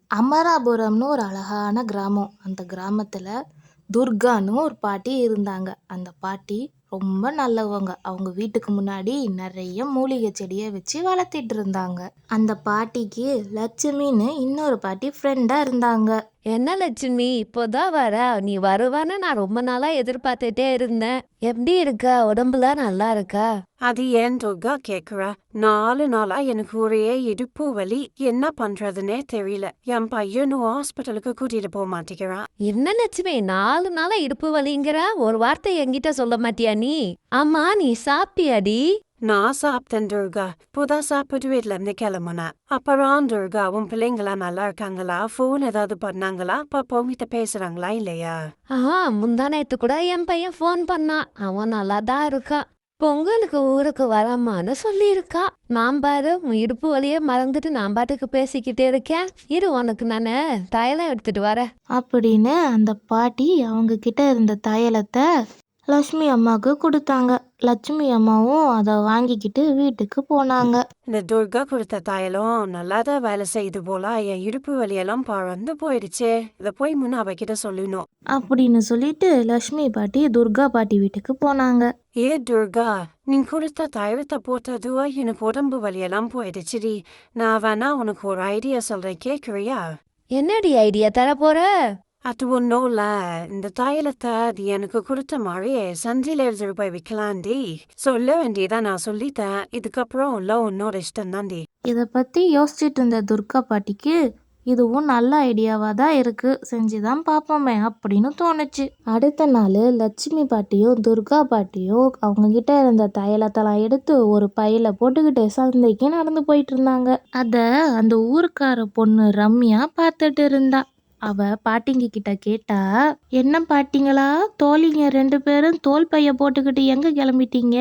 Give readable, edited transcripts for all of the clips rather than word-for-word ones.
அமராபுரம்னு ஒரு அழகான கிராமம். அந்த கிராமத்துல துர்கான்னு ஒரு பாட்டி இருந்தாங்க. அந்த பாட்டி ரொம்ப நல்லவங்க. அவங்க வீட்டுக்கு முன்னாடி நெறைய மூலிகை செடிய வச்சு வளர்த்திட்டு இருந்தாங்க. அந்த பாட்டிக்கு லட்சுமின்னு இன்னொரு பாட்டி ஃப்ரெண்டா இருந்தாங்க. என்ன லட்சுமி இப்போதான் வர? நீ வருவான்னு நான் ரொம்ப நாளா எதிர்பார்த்துட்டே இருந்தேன். எப்படி இருக்க? உடம்புலாம் நல்லா இருக்கா? அது ஏன் துர்கா கேக்குற? 4 நாளா எனக்கு ஒரே இடுப்பு வலி. என்ன பண்றதுன்னே தெரியல. என் பையனும் ஹாஸ்பிட்டலுக்கு கூட்டிட்டு போக மாட்டேங்கிறான். என்ன லட்சுமி 4 நாளா இடுப்பு வலிங்கிற? ஒரு வார்த்தை என்கிட்ட சொல்ல மாட்டியா நீ? ஆமா, நீ சாப்பிட்டியாடி? நான் சாப்பிட்டேன் துர்கா. இப்போதான் சாப்பிட்டு வீட்டுல இருந்து கிளம்புனேன். அப்புறம் துர்கா, உன் பிள்ளைங்களா நல்லா இருக்காங்களா? போன் ஏதாவது பண்ணாங்களா? அப்பா உங்ககிட்ட பேசுறாங்களா இல்லையா? முந்தா நேத்து கூட என் பையன் ஃபோன் பண்ணான். அவன் நல்லா தான் இருக்கான். பொங்கலுக்கு ஊருக்கு வரமான்னு சொல்லியிருக்கா. நான் பாரு உன் இடுப்பு வலியே மறந்துட்டு நான் பாட்டுக்கு பேசிக்கிட்டே இருக்கேன். இரு, உனக்கு நானு தைலம் எடுத்துட்டு வரேன் அப்படின்னு அந்த பாட்டி அவங்க கிட்ட இருந்த தைலத்தை லட்சுமி அம்மாவுக்கு கொடுத்தாங்க. லட்சுமி அம்மாவும் அதை வாங்கிக்கிட்டு வீட்டுக்கு போனாங்க. இந்த துர்கா கொடுத்த தைலம் நல்லாதான் வேலை செய்யுது போல. என் இடுப்பு வலியெல்லாம் பறந்து போயிடுச்சே. இதை போய் முன்ன அவகிட்ட சொல்லணும். அப்படின்னு சொல்லிட்டு லட்சுமி பாட்டி துர்கா பாட்டி வீட்டுக்கு போனாங்க. ஏ துர்கா, நீ கொடுத்த தைலத்தை போட்டதுவா எனக்கு உடம்பு வலியெல்லாம் போயிடுச்சுடி. நான் வேணா உனக்கு ஒரு ஐடியா சொல்றேன், கேக்குறியா? என்னடி ஐடியா தர போற? அது ஒன்றும் இல்ல. இந்த தைலத்தை அது எனக்கு கொடுத்த மாதிரியே சந்தையில ரூபாய் விற்கலாண்டி. சொல்ல வேண்டியதான், நான் சொல்லிட்டேன். இதுக்கப்புறம் இல்ல உன்னோட இஷ்டம் தாண்டி. இதை பற்றி யோசிச்சுட்டு இருந்த துர்கா பாட்டிக்கு இதுவும் நல்ல ஐடியாவாக தான் இருக்குது, செஞ்சுதான் பார்ப்போமே அப்படின்னு தோணுச்சு. அடுத்த நாள் லட்சுமி பாட்டியும் துர்கா பாட்டியும் அவங்கக்கிட்ட இருந்த தைலத்தெல்லாம் எடுத்து ஒரு பையில போட்டுக்கிட்டு சந்தைக்கு நடந்து போயிட்டு இருந்தாங்க. அதை அந்த ஊருக்கார பொண்ணு ரம்யா பார்த்துட்டு இருந்தா. அவ பாட்டிங்க கிட்ட கேட்டா, என்ன பாட்டிங்களா, தோழிங்க 2 பேரும் தோல் பைய போட்டுக்கிட்டு எங்க கிளம்பிட்டீங்க?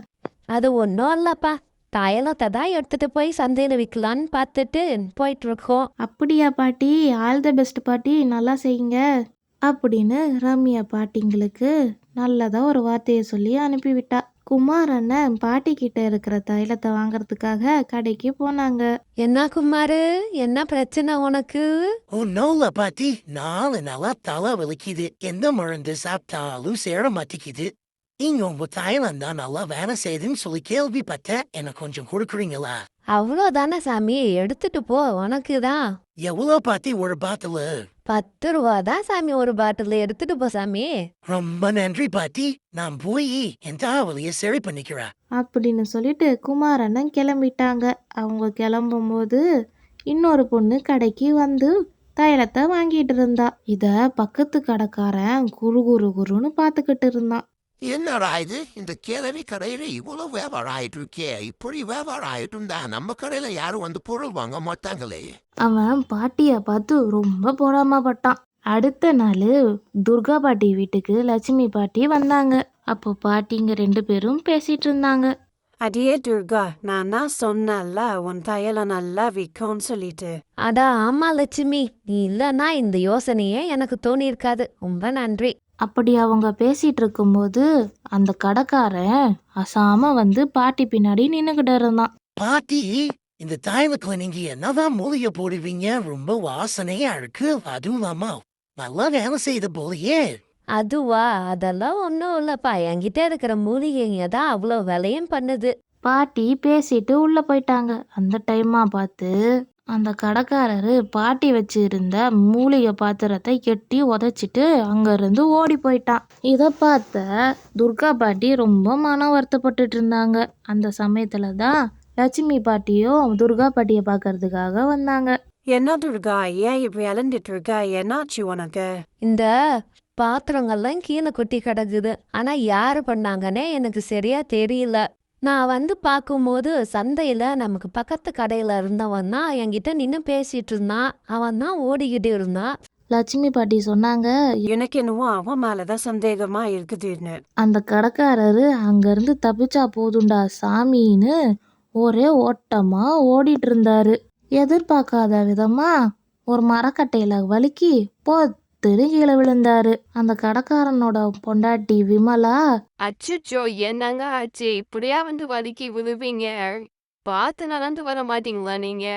அது ஒன்றும் இல்லப்பா, தைலத்தை தான் எடுத்துட்டு போய் சந்தையில விற்கலான்னு பார்த்துட்டு போயிட்டு இருக்கோம். அப்படியா பாட்டி, ஆல் த பெஸ்ட் பாட்டி, நல்லா செய்யுங்க அப்படின்னு ரம்யா பாட்டிங்களுக்கு நல்லதா ஒரு வார்த்தையை சொல்லி அனுப்பிவிட்டா. குமார் அண்ணன் பாட்டி கிட்ட இருக்கிற தைலத்தை வாங்கறதுக்காக கடைக்கு போனாங்க. என்ன குமாரு, என்ன பிரச்சனை உனக்கு? ஒன்னும் பாட்டி, 4 நாளா தலை வலிக்குது. எந்த மருந்து சாப்பிட்டாலும் சேர மாட்டேங்குது. நீங்க உங்க தைலம் தான் நல்லா வேலை செய்யுதுன்னு சொல்லி கேள்விப்பட்டேன். எனக்கு கொஞ்சம் கொடுக்குறீங்களா? அவ்வளோதானே சாமி, எடுத்துட்டு போ, உனக்கு தான். எவ்வளோ பாட்டி ஒரு பாட்டில்? 10 ரூபா தான் சாமி ஒரு பாட்டில், எடுத்துட்டு போ சாமி. ரொம்ப நன்றி பாட்டி. நான் போய் என் தலைவலியை சரி பண்ணிக்கிறேன் அப்படின்னு சொல்லிட்டு குமார் அண்ணன் கிளம்பிட்டாங்க. அவங்க கிளம்பும்போது இன்னொரு பொண்ணு கடைக்கு வந்து தைலத்தை வாங்கிட்டு இருந்தா. இத பக்கத்து கடைக்காரன் குரு குரு குருன்னு பார்த்துக்கிட்டு இருந்தான். என்னடா இது, இந்த கிழவி கடையில இவ்வளவு வியாபாரம் ஆயிட்டு இருக்கே. இப்படி வியாபாரம் ஆயிட்டு இருந்தா நம்ம கடையில யாரும் வந்து பொருள் வாங்க மாட்டாங்களே. அவன் பாட்டிய பார்த்து ரொம்ப பொறாமப்பட்டான். அடுத்த நாள் துர்கா பாட்டி வீட்டுக்கு லட்சுமி பாட்டி வந்தாங்க. அப்போ பாட்டிங்க 2 பேரும் பேசிட்டு இருந்தாங்க. அடியே துர்கா, நான் தான் சொன்னேன்ல உன் தைலம் நல்லா விற்கும்னு சொல்லிட்டு. அடா ஆமா லட்சுமி, நீ இல்லைன்னா இந்த யோசனையே எனக்கு தோணியிருக்காது. ரொம்ப நன்றி. அப்படி அவங்க பேசிட்டு இருக்கும்போது அந்த கடைக்காரன் அசாம வந்து பாட்டி பின்னாடி நின்னுகிட்டு இருந்தான். பாட்டி, இந்த தைலத்துல நீங்க என்னதான் மூலிகை போடுவீங்க? ரொம்ப வாசனையா இருக்கு. அதுவும் இல்லாம நல்லா வேலை செய்த போலயே. அதுவா, அதெல்லாம் ஒன்றும் இல்லைப்பா, என்கிட்ட இருக்கிற மூலிகைங்க தான் அவ்வளோ விலையும் பண்ணுது. பாட்டி பேசிட்டு உள்ள போயிட்டாங்க. அந்த டைமா பார்த்து அந்த கடைக்காரரு பாட்டி வச்சு இருந்த மூலிகை பாத்திரத்தை கெட்டி உதைச்சிட்டு அங்கிருந்து ஓடி போயிட்டான். இதை பார்த்த துர்கா பாட்டி ரொம்ப மன வருத்தப்பட்டுட்டு இருந்தாங்க. அந்த சமயத்துல தான் லட்சுமி பாட்டியும் துர்கா பாட்டியை பார்க்கறதுக்காக வந்தாங்க. என்ன துர்கா, ஏன் இப்படி அலந்துட்டு இருக்க? என்னாச்சு உனக்கு? இந்த பாத்திரங்கள்லாம் கீழே கொட்டி கிடக்குது. ஆனா யாரு பண்ணாங்கன்னே எனக்கு சரியா தெரியல. நான் வந்து பார்க்கும்போது சந்தையில நமக்கு பக்கத்து கடையில இருந்தவன் தான் என்கிட்ட நின்று பேசிட்டு இருந்தான். அவன் தான் ஓடிக்கிட்டு இருந்தான். லட்சுமி பாட்டி சொன்னாங்க, எனக்கு என்னவோ அவன் மேலதான் சந்தேகமா இருக்குதுன்னு. அந்த கடைக்காரரு அங்கிருந்து தப்பிச்சா போதுண்டா சாமின்னு ஒரே ஓட்டமா ஓடிட்டு இருந்தாரு. எதிர்பார்க்காத விதமா ஒரு மரக்கட்டையில வழுக்கி பொத்துன்னு கீழே விழுந்தாரு. அந்த கடைக்காரனோட பொண்டாட்டி விமலா, அச்சச்சோ, என்னங்க ஆச்சு? இப்படியா வந்து வலிக்கு விழுவீங்க? பார்த்து நடந்து வர மாட்டீங்களா நீங்க?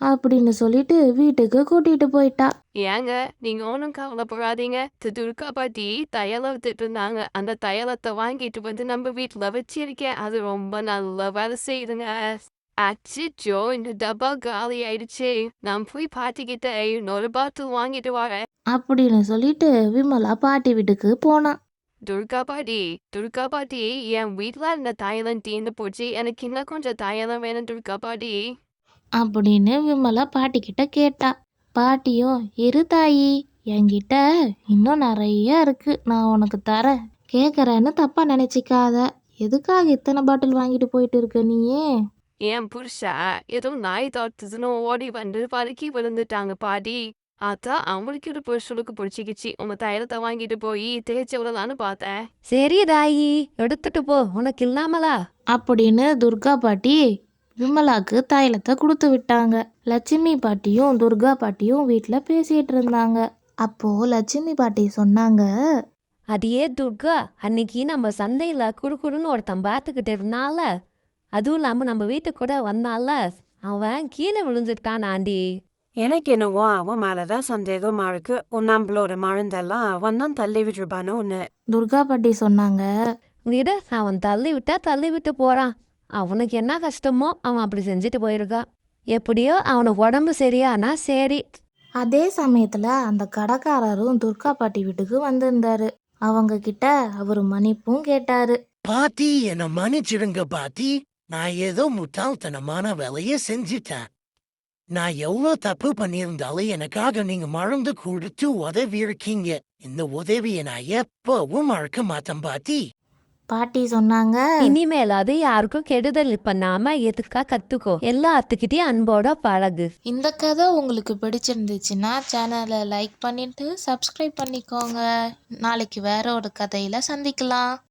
அப்படின்னு சொல்லிட்டு வீட்டுக்கு கூட்டிட்டு போயிட்டா. ஏங்க நீங்க ஒன்றும் கவலைப்படாதீங்க. துர்கா பாட்டி தையலை வித்துட்டு இருந்தாங்க. அந்த தையலத்தை வாங்கிட்டு வந்து நம்ம வீட்டில் வச்சிருக்கேன். அது ரொம்ப நல்ல வேலை செய்யுதுங்க. அச்சோ, இந்த டப்பா காலி ஆயிடுச்சு. நான் போய் பாட்டிக்கிட்ட இன்னொரு பாட்டில் வாங்கிட்டு வரேன். அப்படின்னு சொல்லிட்டு விமலா பாட்டி வீட்டுக்கு போனா. துர்கா பாட்டி, என் வீட்டில் இந்த தையலம் தீர்ந்து போச்சு. எனக்கு இன்னும் கொஞ்சம் தையலம் வேணும் துர்கா பாட்டி. அப்படின்னு விமலா பாட்டிக்கிட்ட கேட்டா. பாட்டியும், இரு தாயி, என்கிட்ட இன்னும் நிறைய இருக்கு, நான் உனக்கு தரேன், கேட்குறேன்னு தப்பா நினைச்சிக்காத. எதுக்காக இத்தனை பாட்டில் வாங்கிட்டு போயிட்டு இருக்க நீயே? என் புருஷா ஏதோ நாய் தாத்துன்னு ஓடி வந்து பதுக்கி விழுந்துட்டாங்க பாட்டி. அதான் அவங்களுக்கு ஒரு புருஷனுக்கு பிடிச்சிக்கிச்சு. உங்க தைலத்தை வாங்கிட்டு போய் தேய்ச்சி விடலான்னு பார்த்தேன். சரி தாயி, எடுத்துட்டு போ, உனக்கு இல்லாமலா? அப்படின்னு துர்கா பாட்டி விமலாக்கு தைலத்தை கொடுத்து விட்டாங்க. லட்சுமி பாட்டியும் துர்கா பாட்டியும் வீட்டில் பேசிட்டு இருந்தாங்க. அப்போ லட்சுமி பாட்டி சொன்னாங்க, அதையே துர்கா, அன்னைக்கு நம்ம சந்தையில குறுக்குறுன்னு ஒருத்தன் பார்த்துக்கிட்டு இருந்தால, அதுவும் இல்லாம நம்ம வீட்டுக்கு கூட வந்தால, அவன் கீழே விழுந்துட்டான் ஆண்டி. எனக்கு என்னவோ அவன் மேலதான் சந்தேகமா இருக்கு. நம்மளோட மருந்தெல்லாம் அவன் தான் தள்ளி விட்டுருப்பானோன்னு. துர்கா பாட்டி சொன்னாங்க, விட, அவன் தள்ளி விட்டா தள்ளி விட்டு போறான். அவனுக்கு என்ன கஷ்டமோ அவன் அப்படி செஞ்சுட்டு போயிருக்கான். எப்படியோ அவனுக்கு உடம்பு சரியானா சரி. அதே சமயத்துல அந்த கடைக்காரரும் துர்கா பாட்டி வீட்டுக்கு வந்திருந்தாரு. அவங்க கிட்ட அவர் மன்னிப்பும் கேட்டாரு. பாட்டி என்னை மன்னிச்சிடுங்க பாட்டி. நான் ஏதோ முட்டாள்தனமான வேலையை செஞ்சுட்டேன். நான் எவ்வளோ தப்பு பண்ணியிருந்தாலும் எனக்காக நீங்க மறந்து கொடுத்து உதவி இருக்கீங்க. இந்த உதவியை நான் எப்பவும் மறக்க மாட்டேன் பாட்டி. பாட்டி சொன்னாங்க, இனிமேல் அது யாருக்கும் கெடுதல் பண்ணாம எதுக்கா கத்துக்கோ, எல்லாத்துக்கிட்டையும் அன்போட பழகு. இந்த கதை உங்களுக்கு பிடிச்சிருந்துச்சுன்னா சேனலை லைக் பண்ணிட்டு சப்ஸ்கிரைப் பண்ணிக்கோங்க. நாளைக்கு வேற ஒரு கதையில சந்திக்கலாம்.